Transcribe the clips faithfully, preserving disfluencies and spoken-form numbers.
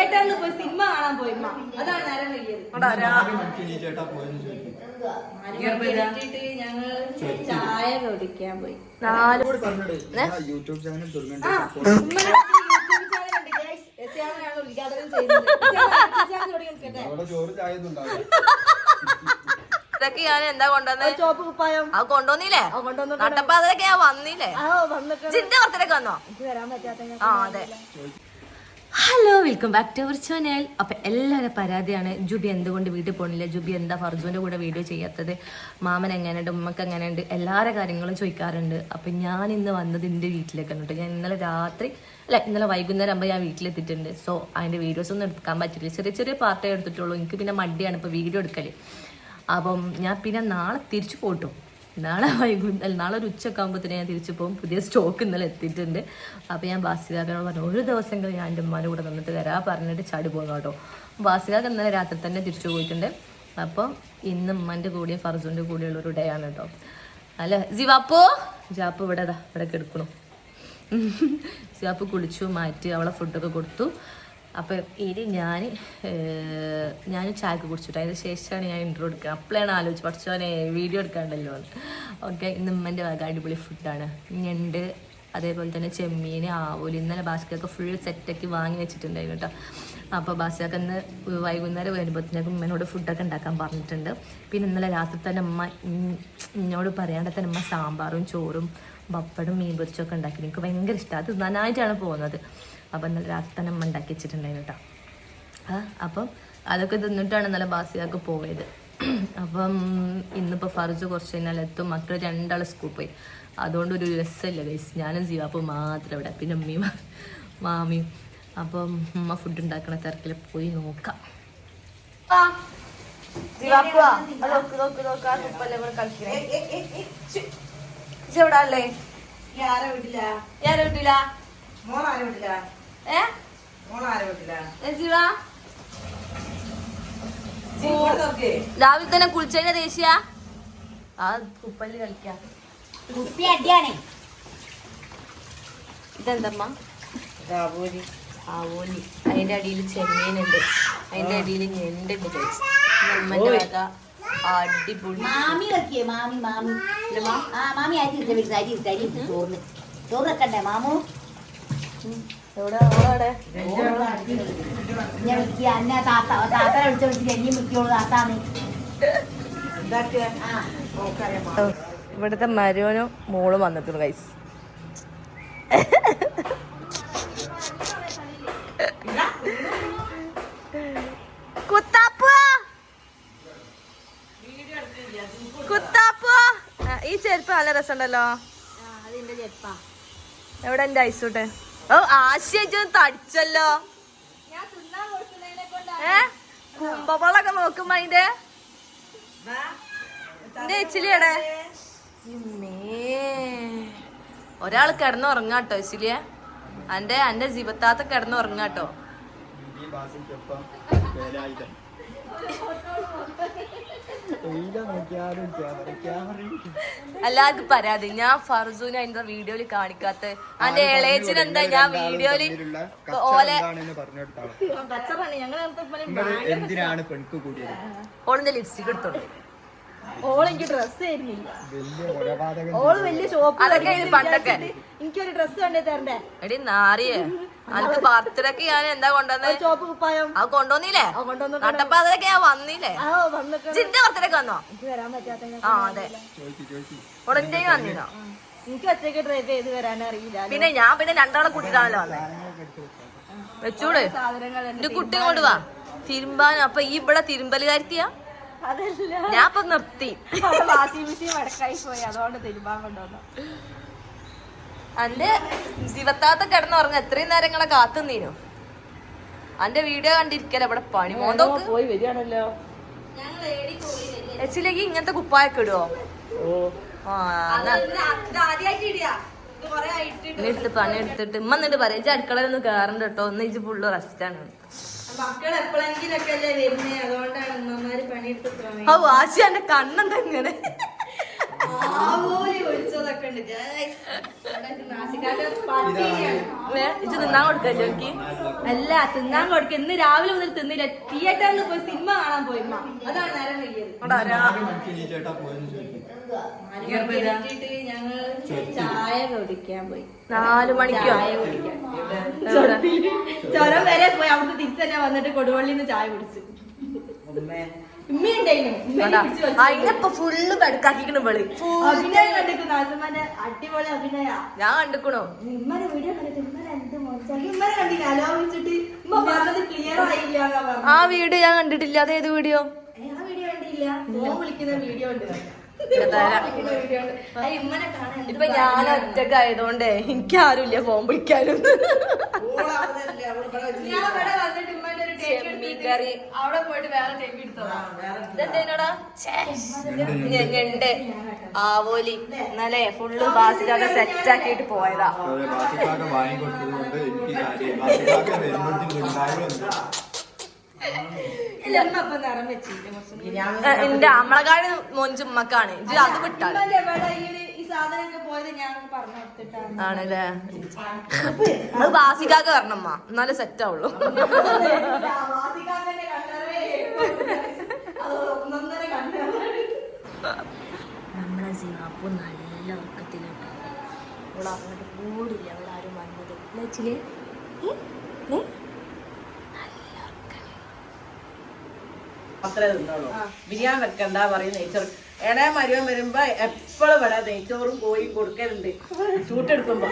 തിയേറ്ററിൽ പോയി സിനിമ കാണാൻ പോയി അതാണ് നേരം വൈകിയത്. ഞങ്ങൾ ചായ കുടിക്കാൻ പോയി. നാല് യൂട്യൂബ് ചാനൽ ഇതൊക്കെ ഞാൻ എന്താ കൊണ്ടുവന്നത്? ചോപ്പ് കുപ്പായം അത് കൊണ്ടുവന്നില്ലേ? നട്ടപ്പാതിരൊക്കെ ഞാൻ വന്നില്ലേ? ജിന്റെ ബർത്ത്ഡേക്ക് വന്നോ? ആ അതെ. Hello, welcome back to our channel. അപ്പം എല്ലാവരും പരാതിയാണ്, ജുബി എന്തുകൊണ്ട് വീട്ടിൽ പോകണില്ല, ജുബി എന്താ ഫർജുവിൻ്റെ കൂടെ വീഡിയോ ചെയ്യാത്തത്, മാമൻ എങ്ങനെയുണ്ട്, ഉമ്മക്ക് എങ്ങനെയുണ്ട്, എല്ലാവരുടെ കാര്യങ്ങളും ചോദിക്കാറുണ്ട്. അപ്പം ഞാൻ ഇന്ന് വന്നത് എൻ്റെ വീട്ടിലേക്കാണ് കേട്ടോ. ഞാൻ ഇന്നലെ രാത്രി അല്ല ഇന്നലെ വൈകുന്നേരം ആകുമ്പോൾ ഞാൻ വീട്ടിലെത്തിയിട്ടുണ്ട്. സോ അതിൻ്റെ വീഡിയോസ് ഒന്നും എടുക്കാൻ പറ്റില്ല, ചെറിയ ചെറിയ പാർട്ടേ എടുത്തിട്ടുള്ളൂ. എനിക്ക് പിന്നെ മടിയാണ് ഇപ്പോൾ വീഡിയോ എടുക്കൽ. അപ്പം ഞാൻ പിന്നെ നാളെ തിരിച്ചു പോട്ടും. നാളെ വൈകുന്നേരം നാളെ ഒരു ഉച്ചയൊക്കെ ആകുമ്പോഴത്തേന് ഞാൻ തിരിച്ചു പോകും. പുതിയ സ്റ്റോക്ക് ഇന്നലെ എത്തിയിട്ടുണ്ട്. അപ്പോൾ ഞാൻ ബാസികാക്കനോട് പറഞ്ഞു ഒരു ദിവസങ്ങൾ ഞാൻ എൻ്റെ ഉമ്മാൻ്റെ കൂടെ നിന്നിട്ട് വരാൻ പറഞ്ഞിട്ട് ചാടി പോകുന്നു കേട്ടോ. ബാസികാക്ക് ഇന്നലെ രാത്രി തന്നെ തിരിച്ചു പോയിട്ടുണ്ട്. അപ്പം ഇന്ന് ഉമ്മൻ്റെ കൂടെയും ഫർജുൻ്റെ കൂടെയുള്ള ഒരു ഡേ ആണ് കേട്ടോ. അല്ല ജിവാപ്പോ ജാപ്പ് ഇവിടെ അതാ ഇവിടെ കിടക്കണു. ജിവാപ്പ് കുളിച്ചു മാറ്റി അവളെ ഫുഡൊക്കെ കൊടുത്തു. അപ്പം ഇനി ഞാൻ ഞാൻ ചായക്ക് കുടിച്ചിട്ട് അതിന് ശേഷമാണ് ഞാൻ ഇൻട്രോ എടുക്കുക. അപ്പോഴാണ് ആലോചിച്ച് പഠിച്ചോനെ വീഡിയോ എടുക്കാണ്ടല്ലോ എന്ന്. ഓക്കെ, ഇന്ന് ഉമ്മൻ്റെ വക അടിപൊളി ഫുഡാണ്. ഞണ്ട്, അതേപോലെ തന്നെ ചെമ്മീൻ, ആവൂല്. ഇന്നലെ ബാസ്കൊക്കെ ഫുൾ സെറ്റാക്കി വാങ്ങി വെച്ചിട്ടുണ്ടായിരുന്നു കേട്ടോ. അപ്പോൾ ബാസ്കൊക്കെ ഇന്ന് വൈകുന്നേരം വരുമ്പോഴത്തേക്കും ഉമ്മനോട് ഫുഡൊക്കെ ഉണ്ടാക്കാൻ പറഞ്ഞിട്ടുണ്ട്. പിന്നെ ഇന്നലെ രാത്രി തന്നെ ഉമ്മ എന്നോട് പറയാണ്ട് തന്നെ ഉമ്മ സാമ്പാറും ചോറും പപ്പടും മീൻ പൊരിച്ചൊക്കെ ഉണ്ടാക്കി. എനിക്ക് ഭയങ്കര ഇഷ്ടമാണ്, അത് നന്നായിട്ടാണ് പോകുന്നത്. അപ്പം ഇന്നലെ രാത്രി തന്നെ അമ്മ ഉണ്ടാക്കി വെച്ചിട്ടുണ്ടായിരുന്നു കേട്ടോ. ആ അപ്പം അതൊക്കെ തിന്നിട്ടാണ് ഇന്നലെ ബാസിയാക്ക് പോയത്. അപ്പം ഇന്നിപ്പോൾ ഫർജ് കുറച്ച് കഴിഞ്ഞാൽ എത്തും. മക്കൾ രണ്ടാൾ സ്കൂൾ പോയി, അതുകൊണ്ട് ഒരു രസമില്ല ഗൈസ്. ഞാനും ജീവാപ്പും മാത്രം ഇവിടെ, പിന്നെ ഉമ്മയും മാമിയും. അപ്പം ഉമ്മ ഫുഡ് ഉണ്ടാക്കണ തിരക്കിൽ പോയി നോക്കാം. എവിടെ അല്ലേ? ആരെ വീട്ടില ഞാനെ വീട്ടില മോളാരെ വീട്ടില ഏ മോളാരെ വീട്ടില രാവിലെ തന്നെ കുളിച്ചതിന്റെ ദേശീയ ആ കുപ്പല് കളിക്കാം. ഇതെന്തമ്മ? ആവോലി. ആവോലി. അതിന്റെ അടിയിൽ ചെമ്മീനുണ്ട്, അതിന്റെ അടിയിൽ ഞണ്ടുണ്ട്. നമ്മന്റെ വക അടിപൊളി. മാമി വെക്കിയേ മാമി മാമി ആ മാമി അരി ഇട്ട വീട്ടിൽ അരി ഇട്ട അരി ഇട്ട് ചോറിന് ചോറ് വെക്കണ്ടേ മാമു? എവിടെ അവിടെ ഞാൻ വിളിക്കുക അന്നെ താത്ത താത്തനെ വിളിച്ച വിളിച്ചിട്ട് എന്നെയും വിളിക്കുള്ളൂ താത്താന്ന്. ഇവിടുത്തെ മരുവനും മോളും വന്നിട്ടുണ്ട് ഗൈസ്. ഈ ചെരുപ്പ് നല്ല രസമുണ്ടല്ലോ. എവിടെ എന്റെ ഐസൂട്ടെ? ഓ ആശയൊക്കെ തടിച്ചല്ലോ. ഏ കുമ്പളൊക്കെ നോക്കുമ്പോ അതിന്റെ എന്റെ എച്ചിലിയടെ ഒരാൾ കിടന്നുറങ്ങാട്ടോ. എച്ചിലിയ എന്റെ എന്റെ ജീവത്താത്ത കിടന്നുറങ്ങാട്ടോ. എല്ലാവർക്കും പരാതി ഞാൻ ഫർസൂന് അതിന്റെ വീഡിയോയില് കാണിക്കാത്ത. അതിന്റെ ഇളയച്ചിന് എന്താ ഞാൻ വീഡിയോയില് ഓലെ ഓളിന്റെ ലിപ്സ്റ്റിക് എടുത്തോണ്ട് ഓളെനിക്ക് ഡ്രസ് തരുന്നില്ല. ഓള് വലിയ ഷോപ്പ്. അതൊക്കെ പണ്ടൊക്കെ എനിക്കൊരു ഡ്രസ് കണ്ടേ തരണ്ടേ? എടി നാറിയേ, അനക്ക് ബർത്ത്ഡേക്ക് ഞാൻ എന്താ കൊണ്ടുവന്നത്? ചോപ്പ് കുപ്പായം അത് കൊണ്ടുവന്നില്ലേ? നട്ടപ്പാതിരൊക്കെ ഞാൻ വന്നില്ലേ? ജിന്റെ ബർത്ത്ഡേക്ക് വന്നോ? ആ അതെ, ഉടനെ വന്നിരുന്നോ? എനിക്ക് ഒറ്റയ്ക്ക് ഡ്രൈവ് ചെയ്ത് വരാനറിയില്ല. പിന്നെ ഞാൻ പിന്നെ രണ്ടാളെ കൂട്ടിട്ടാണല്ലോ വന്നത്. വെച്ചൂട് എന്റെ കുട്ടി കൊണ്ട് വാ തിരുമ്പാൻ. അപ്പൊ ഈ ഇവിടെ തിരുമ്പല് കാര്യത്തിയാ? ഞാൻ ഇപ്പൊ നിർത്തി. വാഷിംഗ് മെഷീൻ വടക്കായി പോയി, അതുകൊണ്ട് തിരുമ്പാൻ കൊണ്ടുവന്നു. അന്റെ ശിവത്താത്ത കിടന്നുറങ്ങ എത്രയും നേരങ്ങളെ കാത്തുന്നീനു. അന്റെ വീഡിയോ കണ്ടിരിക്കല ഇവിടെ പണി മോന്തോക്ക് പോയി വരികയാണല്ലോ. എച്ചിലേക്ക് ഇങ്ങനത്തെ കുപ്പായൊക്കെ ഇടുവോ? എടുത്ത് പണി എടുത്തിട്ട് ഉമ്മ എന്നിട്ട് പറയാ ഇജ്ജ് അടുക്കളയിലൊന്നും കേറണ്ട കേട്ടോ, ഒന്ന് ഇജ്ജ് ഫുള്ള് റെസ്റ്റാണ്. മക്കൾ എപ്പോഴെങ്കിലൊക്കെ അല്ലേ വരുന്നേ, അതുകൊണ്ടാണ് ഉമ്മമാര് പണിയെടുത്ത്. ഓ ആശി എന്റെ കണ്ണെന്താ ഇങ്ങനെ? വിളിച്ചതൊക്കെ ഉണ്ട് ഇച്ച് തിന്നാൻ കൊടുക്കല്ലോ എനിക്ക്. അല്ല തിന്നാൻ കൊടുക്ക. ഇന്ന് രാവിലെ മുതൽ തിന്നില്ല. തിയേറ്ററിൽ പോയി സിനിമ കാണാൻ പോയി. അതാണ് നേരം കഴിയത്. ഞങ്ങൾ ചായ കുടിക്കാൻ പോയി. നാലു മണിക്കോ ചായ കുടിക്കാൻ ചുരം വരെ പോയി. അവിടുന്ന് തിരിച്ചു തന്നെ വന്നിട്ട് കൊടുവള്ളിന്ന് ചായ കുടിച്ചു. അതിനിപ്പൊ ഫുള്ള് ബെടുക്കാക്കിക്കണ വെളി. അഭിനയം കണ്ടിരിക്കുന്നു. ആസമാന്റെ അടിപൊളി അഭിനയ ഞാൻ കണ്ടിക്കണോ. ഇമ്മനെ വീഡിയോ കണ്ടിട്ട് ഇമ്മനെ എന്ത് മോശം. ഇമ്മനെ കണ്ടില്ല ആലോചിച്ചിട്ട് ഇമ്മ പറഞ്ഞത് ക്ലിയർ ആയില്ല. ആ വീഡിയോ ഞാൻ കണ്ടിട്ടില്ല. അത് ഏത് വീഡിയോ? ആ വീഡിയോ കണ്ടില്ല. ഫോൺ വിളിക്കുന്ന വീഡിയോ ഉണ്ട്. ഇപ്പൊ ഞാൻ ഒറ്റക്ക് ആയതുകൊണ്ടേ എനിക്ക് ആരുമില്ല ഫോൺ വിളിക്കാനും. അവിടെ പോയിട്ട് വേറെ ടേക്ക് എടുത്തോടാ. ഞണ്ട് ആവോലി ഇന്നലെ ഫുള്ള് ബാസിലൊക്കെ സെറ്റ് ആക്കിയിട്ട് പോയതാ. എന്റെ അമ്മളക്കാട് മൊഞ്ചുമ്മക്കാണ് ഇത്. അത് വിട്ടാണ് ആണല്ലേ. അത് ബാസിക്കാക്ക് വരണമ്മ എന്നാലേ സെറ്റ് ആവുള്ളൂ. നമ്മളെ സിംഗപ്പൂർ നല്ല ഉറക്കത്തിലുണ്ട്. അവൾ അങ്ങോട്ട് കൂടില്ല. അവിടെ ആരും വന്നത് വെച്ചില്ലേ. അത്രേ തിന്നോളൂ. ബിരിയാണി വെക്കണ്ട പറയും നെയ്ച്ചോറ്. എടേ മരുവൻ വരുമ്പോ എപ്പോഴും ഇവിടെ നെയ്ച്ചോറും കോഴിയും കൊടുക്കലുണ്ട് ചൂട്ടെടുക്കുമ്പോ.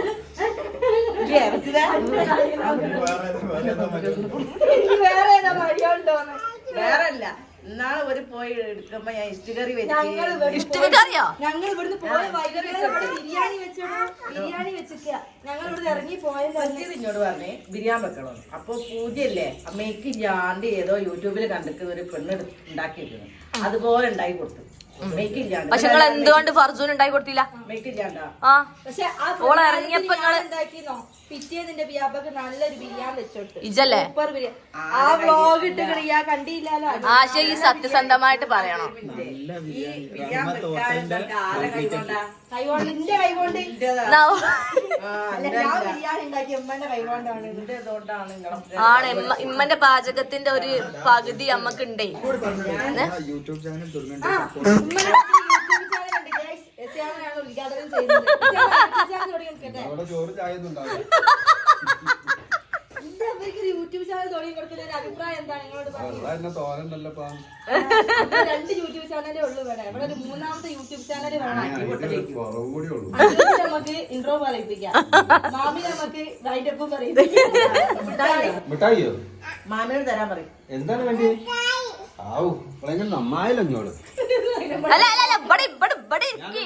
വേറെ അല്ല. ഇന്നാള് ഒരു പോയി എടുക്കുമ്പോ ഞാൻ ഇഷ്ടികറി വെച്ച് ഇഷ്ടക്കറിയോ. ഞങ്ങൾ ഇവിടുന്ന് പോയ ബിരിയാണി വെച്ചോ. ബിരിയാണി വെച്ചിക്ക. ഞങ്ങൾ ഇവിടുന്ന് ഇറങ്ങി പോയത്. എന്നോട് പറഞ്ഞേ ബിരിയാണി വെക്കണം. അപ്പൊ പൂജയല്ലേ അമ്മയ്ക്ക് ഇല്ലാണ്ട് ഏതോ യൂട്യൂബിൽ കണ്ടിട്ട് ഒരു പെണ്ണ് ഉണ്ടാക്കിയിരുന്നു. അതുപോലെ ഉണ്ടാക്കി കൊടുത്തു. പക്ഷെ നിങ്ങൾ എന്തുകൊണ്ട് ഫർസൂൻ ഉണ്ടാക്കി കൊടുത്തില്ല? ആ പക്ഷെ ഓള് ഇറങ്ങിയപ്പോ ഉണ്ടാക്കിന്നോ പിറ്റേന്നിന്റെ ബിയാബക്ക് നല്ലൊരു ബിരിയാണി വെച്ചോട്ട്. ഇജല്ലേ സൂപ്പർ ബിരിയാണി. ആ വ്ലോഗ് ഇട്ട് കളിയാ കണ്ടില്ലല്ലോ. ആശ ഈ സത്യസന്ധമായിട്ട് പറയണം. കൈകൊണ്ട് എന്റെ കൈകൊണ്ട് ഞാൻ ബിരിയാണി ഉണ്ടാക്കി ഉമ്മന്റെ കൈകൊണ്ടാണ്. ആണ് ഇമ്മന്റെ പാചകത്തിന്റെ ഒരു പകുതി അമ്മക്ക് ഉണ്ടേ. യൂട്യൂബ് ചാനൽ യൂട്യൂബ് ചാനൽ തുടങ്ങി കൊടുക്കുന്ന ഒരു അഭിപ്രായം എന്താണ് നിങ്ങളോട് പറയുന്നത്? രണ്ട് യൂട്യൂബ് ചാനലേ ഉള്ളൂ ഇവിടെ. ഇവിടെ ഒരു മൂന്നാമത്തെ യൂട്യൂബ് ചാനൽ വേണം. നമുക്ക് ഇൻട്രോ പറയിപ്പിക്കാം. മാമി നമുക്ക് റൈറ്റപ്പും പറയിപ്പിക്കാം. മാമിയോട് തരാൻ പറയും. എന്താണ് വേണ്ടി? ആവു നന്നായാലോ ഇങ്ങോട്ട്. അല്ല അല്ല അല്ല ഇവിടെ ഇവിടെ ഇവിടെ ഇരിക്ക്.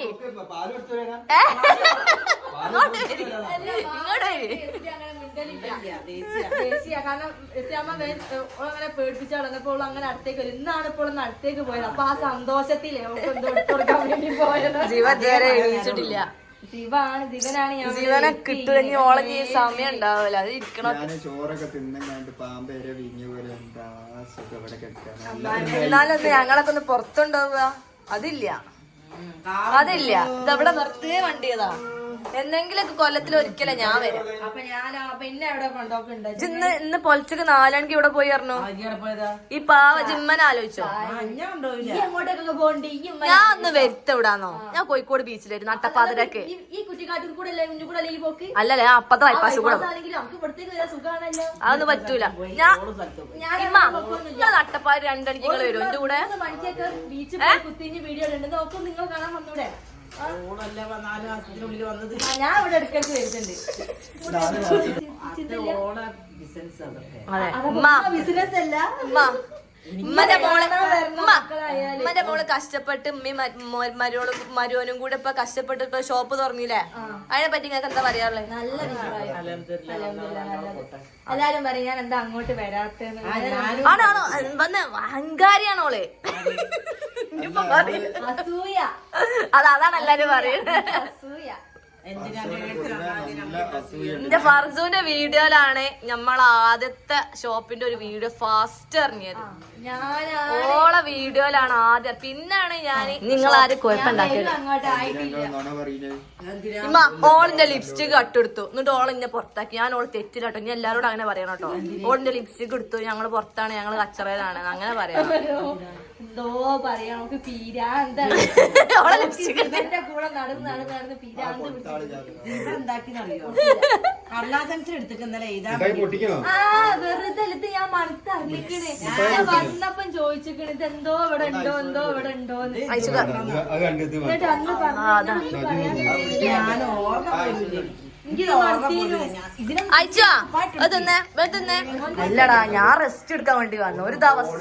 കാരണം അങ്ങനെ പേടിപ്പിച്ചു നടന്നപ്പോൾ അങ്ങനെ അടുത്തേക്ക് വരും. ഇന്നാണ് ഇപ്പോൾ ഒന്ന് അടുത്തേക്ക് പോയത്. അപ്പൊ ആ സന്തോഷത്തിലേ കൊടുക്കാൻ വേണ്ടി പോയത്. ജീവ ഇതുവരെ എണീച്ചിട്ടില്ല. ശിവാണ് ജീവനാണ്. ഞാൻ ജീവനെ കിട്ടുമെങ്കിൽ ഓളഞ്ഞ സമയം ഉണ്ടാവില്ല. അത് ഇരിക്കണം. ചോറൊക്കെ തിന്നങ്ങാണ്ട് പാമ്പേരെ വിഞ്ഞ പോലെ എന്താ സുഖം ഇവിടെ കിടക്കാൻ. എന്നാലൊന്ന് ഞങ്ങളൊക്കെ ഒന്ന് പുറത്തുണ്ടാവുക. അതില്ല അതില്ല. ഇതവിടെ നിർത്തിയേ വണ്ടിയതാ. എന്തെങ്കിലൊക്കെ കൊല്ലത്തിൽ ഒരിക്കലേ ഞാൻ വരാം. അപ്പൊ ഞാൻ പിന്നെ എവിടെ കൊണ്ടോക്കുണ്ട്. ഇന്ന് ഇന്ന് പൊലച്ചക്ക് നാലണിക്ക് ഇവിടെ പോയി പറഞ്ഞു. ഈ പാവ ജിമ്മനെ ആലോചിച്ചോ. എങ്ങോട്ടൊക്കെ പോകണ്ടേ? ഞാൻ ഒന്ന് വരുത്തവിടാന്നോ. ഞാൻ കോഴിക്കോട് ബീച്ചിലായിരുന്നു നട്ടപ്പാതിരക്ക്. ഈ കുറ്റിക്കാട്ടിൽ കൂടെ അല്ലേ മുന്നിൽ കൂടെ ഈ പോക്ക്? അല്ലല്ലേ അപ്പത്തെ ബൈപ്പാസ് കൂടെ. അതൊന്നും പറ്റൂല. ഞാൻ ഇമ്മ ഞാൻ നട്ടപ്പാതി രണ്ടണിക്ക് നിങ്ങൾ വരും എന്റെ കൂടെ. മണിക്കൊക്കെ ബീച്ചിൽ കുത്തിഞ്ഞ് വീഡിയോ ഉണ്ട്. നോക്കും നിങ്ങൾ കാണാൻ വന്നൂടെ? ഞാൻ ഇവിടെ ഇടയ്ക്കിടയ്ക്ക് വരുന്നുണ്ട്. ബിസിനസ് അല്ല ഉമ്മന്റെ മോളെ ഉമ്മന്റെ മോള് കഷ്ടപ്പെട്ട് ഉമ്മയും മരുവോളും മരുവനും കൂടെ ഇപ്പൊ കഷ്ടപ്പെട്ട് ഇപ്പൊ ഷോപ്പ് തുറന്നില്ലേ. അതിനെ പറ്റി നിങ്ങൾക്ക് എന്താ പറയാറുള്ളത്? നല്ല അഭിപ്രായം. എല്ലാരും പറയും ഞാൻ എന്താ അങ്ങോട്ട് വരാത്തെന്ന്. ആണാണോ വന്ന് അഹങ്കാരിയാണോള്. അസൂയ. അത് അതാണ് എല്ലാരും പറയുന്നത്. അസൂയ. എന്റെ ഫർസൂന്റെ വീഡിയോയിലാണ് നമ്മൾ ആദ്യത്തെ ഷോപ്പിന്റെ ഒരു വീഡിയോ ഫാസ്റ്റ് ഇറങ്ങിയത്. ഓളെ വീഡിയോയിലാണ് ആദ്യം. പിന്നാണ് ഞാൻ നിങ്ങളാരും കുഴപ്പമുണ്ടാക്കിയത്. ഇമ്മ ഓളിന്റെ ലിപ്സ്റ്റിക് കട്ടെടുത്തു എന്നിട്ട് ഓളിന്നെ പുറത്താക്കി. ഞാൻ ഓള് തെറ്റില്ലാട്ടോ, ഇനി എല്ലാരോടും അങ്ങനെ പറയണം കേട്ടോ. ഓളിന്റെ ലിപ്സ്റ്റിക് എടുത്തു, ഞങ്ങള് പുറത്താണ്, ഞങ്ങള് കച്ചറയിലാണ്, അങ്ങനെ പറയാം. എന്തോ പറയാ നമുക്ക് പീരാന്താണ് കൂടെ നടന്ന് നടന്ന് നടന്ന് പീരാന്ത് എന്താക്കിന്നറിയോ കർലാസൻസിൽ എടുത്തിട്ടുണ്ടല്ലേ ഇതാ ആ വെറുതെ എടുത്ത് ഞാൻ മനസ്സറിയിക്കണേ. ഞാൻ വന്നപ്പം ചോദിച്ചിക്കണ ഇത് എന്തോ ഇവിടെ ഉണ്ടോ എന്തോ ഇവിടെ ഉണ്ടോന്ന്. എന്നിട്ട് അന്ന് പറഞ്ഞു ഞാൻ ഓർമ്മ അല്ലടാ, ഞാൻ റെസ്റ്റ് എടുക്കാൻ വേണ്ടി വന്നു ഒരു ദിവസം.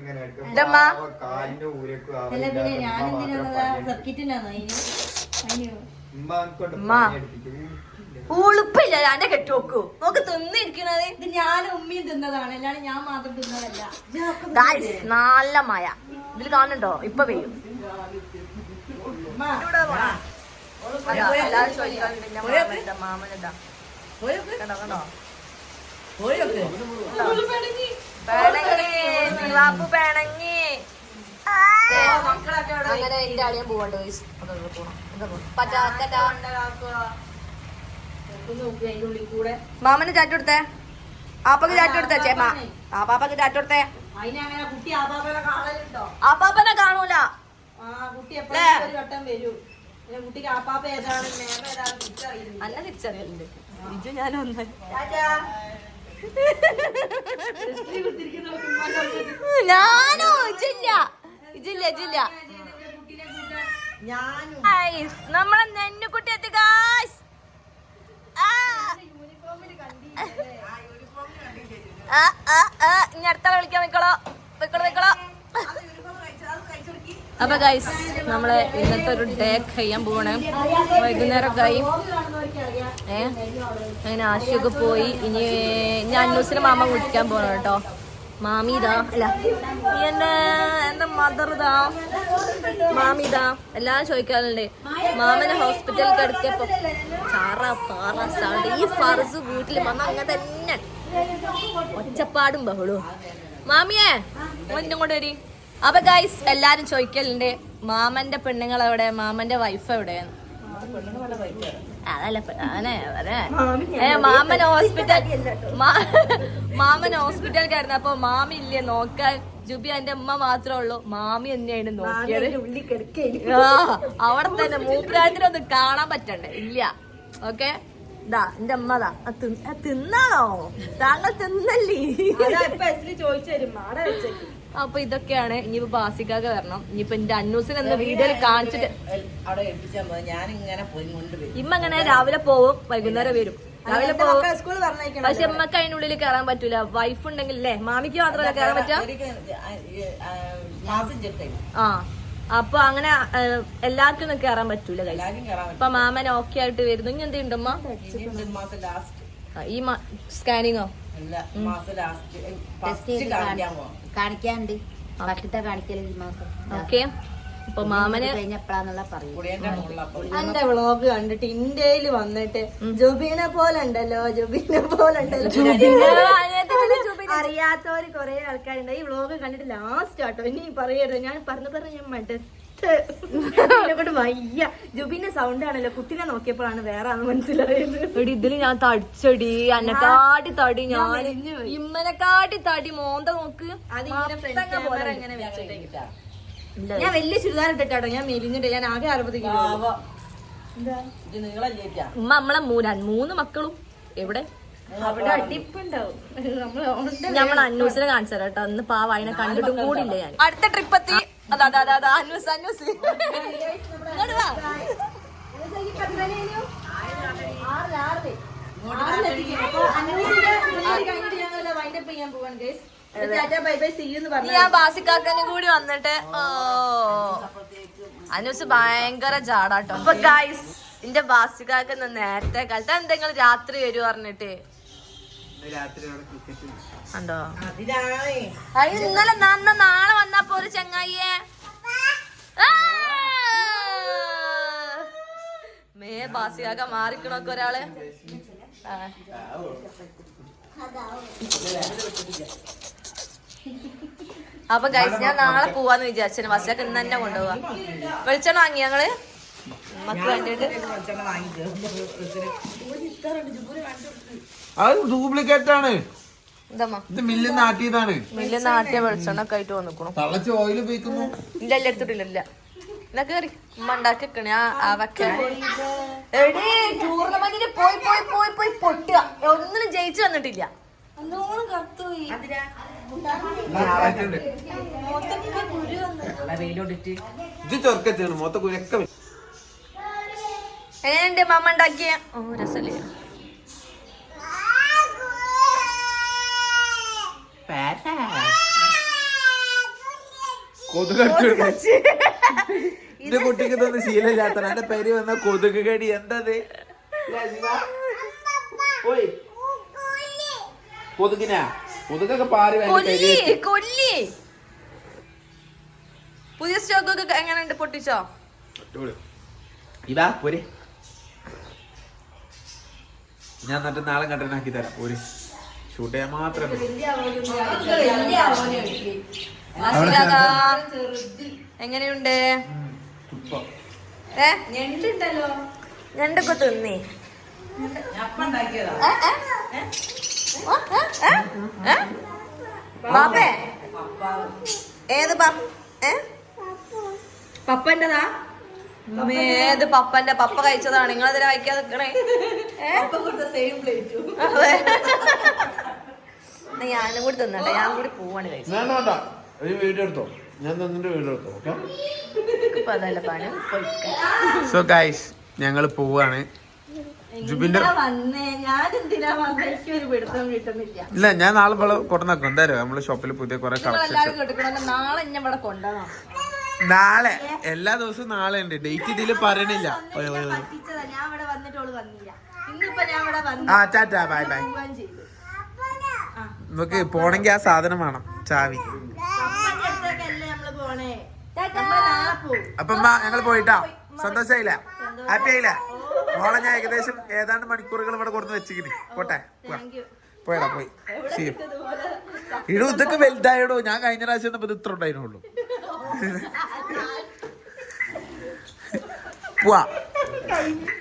ഉളുപ്പില്ല എന്റെ കെട്ടി നോക്കൂ, നോക്ക് തിന്നിരിക്കണത്. ഇത് ഞാൻ ഉമ്മയും തിന്നതാണ്, അല്ലാണ്ട് ഞാൻ മാത്രം തിന്നതല്ല. നല്ല മഴ ഇതിൽ കാണുന്നുണ്ടോ? ഇപ്പൊ പെയ്യും. എല്ലാരും ചോദിക്കാറുണ്ട് മാമനെന്താ കണ്ടോ പിണങ്ങി. അങ്ങനെ എന്റെ അളിയൻ പോവാണ്ട് മാമന് ചാറ്റ് കൊടുത്തേ, ആപ്പക്ക് ചാറ്റ് കൊടുത്തേ ചേമ്മ, ആ പാപ്പക്ക് ചാറ്റ് കൊടുത്തേ. അതിനങ്ങനെ കുട്ടി ആപ്പാപ്പനെ കാണലുണ്ടോ? ആപ്പാപ്പനെ കാണൂല. ആ കുട്ടി എപ്പോഴും ഒരു വട്ടം വരൂ. കുട്ടിക്ക് ആപ്പാപ്പ ഏതാണ് മേമ ഏതാണ് തിരിച്ചറിയുന്നത്. നല്ല തിരിച്ചറിയലുണ്ട്. ഇജു ഞാനൊന്ന് ഞാനോ ഇജില്ല ഇജില്ല ഇജില്ല നമ്മളെ നെന്നുകുട്ടി എത്തി ഗായ്സ്. ഇനി അടുത്ത വിളിക്കാൻ വെക്കളോ വെക്കളോ വെക്കളോ. അപ്പൊ ഗൈസ് നമ്മളെ ഇന്നത്തെ ഒരു ഡേ കഴിയാൻ പോവാണ്. വൈകുന്നേരം കഴി ഏ അങ്ങനെ ആശയൊക്കെ പോയി. ഇനി ഞാൻ അന്നൂസിനെ മാമ വിളിക്കാൻ പോകണം കേട്ടോ. മാമിതാ അല്ല എന്റെ എന്റെ മദർ ഇതാ മാമിതാ എല്ലാരും ചോദിക്കാറുണ്ട്. മാമനെ ഹോസ്പിറ്റലിൽ കിടക്കിയപ്പോ ചാറ പാറ സൗണ്ട്. ഈ ഫർസ് വീട്ടിൽ വന്ന അങ്ങനെ തന്നെ ഒച്ചപ്പാടും ബഹളവും. മാമിയേ ഒന്നും കൊണ്ട് വരി. അപ്പൊ ഗൈസ് എല്ലാരും ചോദിക്കലുണ്ട് മാമന്റെ പെണ്ണുങ്ങൾ എവിടെ, മാമന്റെ വൈഫ് എവിടെയാണ്. അതല്ല ഏ മാമൻ ഹോസ്പിറ്റൽ മാമൻ ഹോസ്പിറ്റലിൽ കിടന്നപ്പോ മാമി ഇല്ലേ നോക്കാൻ. ജുബി എന്റെ അമ്മ മാത്രമേ ഉള്ളൂ, മാമി തന്നെയാണ് നോക്കിയത്. ആ അവിടെ തന്നെ മൂപ്പരാജിനൊന്നും കാണാൻ പറ്റണ്ടേ ഇല്ല. ഓക്കെ ഇതാ എന്റെ അമ്മതാ തിന്നാണോ താങ്കൾ തിന്നല്ലേ ചോദിച്ചു തരും മാടെ വെച്ചേക്ക്. അപ്പൊ ഇതൊക്കെയാണ്. ഇനിയിപ്പോ ബാസിക്കാക്ക് വരണം. ഇനിയിപ്പോ എന്റെ അന്നൂസിന് എന്ന വീഡിയോയിൽ കാണിച്ചിട്ട് ഇമ്മ അങ്ങനെ രാവിലെ പോവും വൈകുന്നേരം വരും. രാവിലെ പോവും പക്ഷെ അമ്മക്ക് അതിനുള്ളിൽ കയറാൻ പറ്റൂല. വൈഫ് ഉണ്ടെങ്കിൽ അല്ലേ മാമിക്ക് മാത്രമല്ല കയറാൻ പറ്റാ. ആ അപ്പൊ അങ്ങനെ എല്ലാവർക്കും ഒന്നും കയറാൻ പറ്റൂല. അപ്പൊ മാമൻ ഓക്കെ ആയിട്ട് വരുന്നു. ഇനി എന്തുണ്ടമ്മ ഈ സ്കാനിങ്ങോ കാണിക്കാണ്ട് ഭക്ഷണത്തെ കാണിക്കല് ഈ മാസം. ഓക്കെ അപ്പൊ മാമന് കഴിഞ്ഞപ്പോഴാന്നുള്ള പറയും. എന്റെ വ്ളോഗ് കണ്ടിട്ട് ഇന്ത്യയിൽ വന്നിട്ട് ജുബീനെ പോലെ ഉണ്ടല്ലോ ജുബീനെ പോലെ ഉണ്ടല്ലോ അറിയാത്തവര് കൊറേ ആൾക്കാരുണ്ട്. ഈ വ്ളോഗ് കണ്ടിട്ട് ലാസ്റ്റ് ആട്ടോ ഇനി പറയരുത്. ഞാൻ പറഞ്ഞു പറഞ്ഞു ഞാൻ മടുത്ത് കൊണ്ട് വയ്യ. ജുബീന്റെ സൗണ്ട് ആണല്ലോ കുട്ടിനെ നോക്കിയപ്പോഴാണ് വേറെ ആണെന്ന് മനസ്സിലായത്. എടി ഇതില് ഞാൻ തടിച്ചടി അന്നെക്കാട്ടി തടി ഞാൻ ഇമ്മനെക്കാട്ടി തടി മോന്ത നോക്ക്. ഞാൻ വലിയ ചുരിദാർ ഇട്ടിട്ടാട്ടോ ഞാൻ മെലിഞ്ഞിട്ട്. ഞാൻ ആകെ അറുപത് കിലോ. ഉമ്മ നമ്മളെ മൂന്ന് മൂന്ന് മക്കളും എവിടെ അവിടെ അടിപ്പുണ്ടാവും. നമ്മൾ അന്നൂസിനെ കാണിച്ചു തരാം കേട്ടോ. അന്ന് പാവ അതിനെ കണ്ടിട്ടും കൂടില്ല ഞാൻ. അടുത്ത ട്രിപ്പ് എത്തി. അതാ അതാ അതാ അന്നൂസ് അന്നൂസ് ഇങ്ങോട്ട് വാ. ഞാൻ ബാസിക്കാക്കനും കൂടി വന്നിട്ട് ഓ അന്നൂസ് ഭയങ്കര ജാടാട്ടോ. അപ്പൊ ഗൈസ് എന്റെ ബാസിക്കാക്ക നേരത്തെ കാലത്ത് എന്തെങ്കിലും രാത്രി വരൂ പറഞ്ഞിട്ട് ഉണ്ടോ. അത് ഇന്നലെ നന്ന നാളെ വന്നപ്പോ ഒരു ചങ്ങായിയെ മേ ബാസിയാക മാറിക്കണൊക്കെ ഒരാള് ആ. അപ്പൊ കഴിച്ച് ഞാൻ നാളെ പോവാന്ന് വിചാരിച്ചു. ബസ്സിലൊക്കെ ഇന്ന് തന്നെ കൊണ്ടുപോവാ. വെളിച്ചെണ്ണ വാങ്ങി ഞങ്ങള് മക്കൾ വേണ്ടിട്ട്. അത് ഡ്യൂപ്ലിക്കേറ്റ് ആണ്. എന്തമ്മ ഇത് മില്ല് നാട്ടിയതാണ്. മില്ല് നാട്ടിയ വെളിച്ചെണ്ണ ഒക്കെ ആയിട്ട് വന്നിക്കണു. തളച്ച് ഓയിൽ ഉപയോഗിക്കുന്നു. ഇല്ല ഇല്ല എടുത്തിട്ടില്ല ഇല്ല. എന്നാ കേറി ഉമ്മ ഉണ്ടാക്കി വെക്കണേ. ആ വെക്കണേ എടീ ടൂർണമെന്റിന് പോയി പോയി പോയി പോയി പൊട്ടുക. ഒന്നിനും ജയിച്ചു വന്നിട്ടില്ല. ഇത് ചൊർക്കാണ് മൊത്തം കുരക്ക. എങ്ങനെയുണ്ട് മമ്മ ഉണ്ടാക്കിയ? ഓ രസല്ലേ. കൊതുകടിച്ചു. എന്റെ കുട്ടിക്ക് ഇതൊന്നും ശീലമില്ലാത്ത എന്റെ പേര് വന്ന കൊതുക് കടി. എന്തത് കൊതുകിനാ? കൊതുകൊക്കെ പാറി കൊല്ലി കൊല്ലി. പുതിയ സ്റ്റോക്ക് ഒക്കെ എങ്ങനെയുണ്ട്? പൊട്ടിച്ചോ? ഇതാ പോരെ. ഞാൻ എന്നിട്ട് നാളെ കണ്ടനാക്കി തരാം. ഒരു ഷൂട്ട് ചെയ്യാൻ മാത്രം. എങ്ങനെയുണ്ട്? ഏ ഞണ്ടുണ്ടല്ലോ. ഞണ്ടൊക്കെ തിന്നേ. ബാപ്പേ ഏത് പപ്പന്റെതാ? ഏത് പപ്പന്റെ? പപ്പ കഴിച്ചതാണ്. നിങ്ങളതിനെ കഴിക്കാതെ നിക്കണേ. ഞാനും കൂടി തിന്നട്ടെ. ഞാൻ കൂടി പോവാണ് കഴിച്ചത്. വീഡിയോ എടുത്തോ. ഞാൻ തന്നിട്ട് വീഡിയോ എടുത്തോ. ഓക്കെ. ഇപ്പൊ അതല്ല പണി. സോ ഗൈസ് ഞങ്ങള് പോവാണ്. ജുബിന്റെ ഇല്ല ഞാൻ നാളെ ഇവിടെ കൊണ്ടുവന്നാക്കും. എന്തായാലും നമ്മള് ഷോപ്പിൽ പുതിയ കുറെ കളക്ഷൻ. നാളെ എന്നെ ഇവിടെ കൊണ്ടുപോകാം. നാളെ എല്ലാ ദിവസവും നാളെ ഉണ്ട്. ഡേറ്റ് ഇതില് പറയണില്ല. ആ ടാറ്റാ ബൈ ബൈ. നമുക്ക് പോണെങ്കി ആ സാധനം വേണം. ചാവി. അപ്പൊ ഞങ്ങൾ പോയിട്ടാ. സന്തോഷായില്ല? ഹാപ്പി ആയില്ല? മോളെ ഞാൻ ഏകദേശം ഏതാണ്ട് മണിക്കൂറുകൾ ഇവിടെ കൊടുത്ത് വെച്ചിട്ട് പോട്ടെ. പോയടാ പോയി. ഇടൂ ഇതൊക്കെ വലുതായിടോ. ഞാൻ കഴിഞ്ഞ പ്രാവശ്യം ഇത് ഇത്ര ഉണ്ടായിരുന്നുള്ളൂ. പോവാ.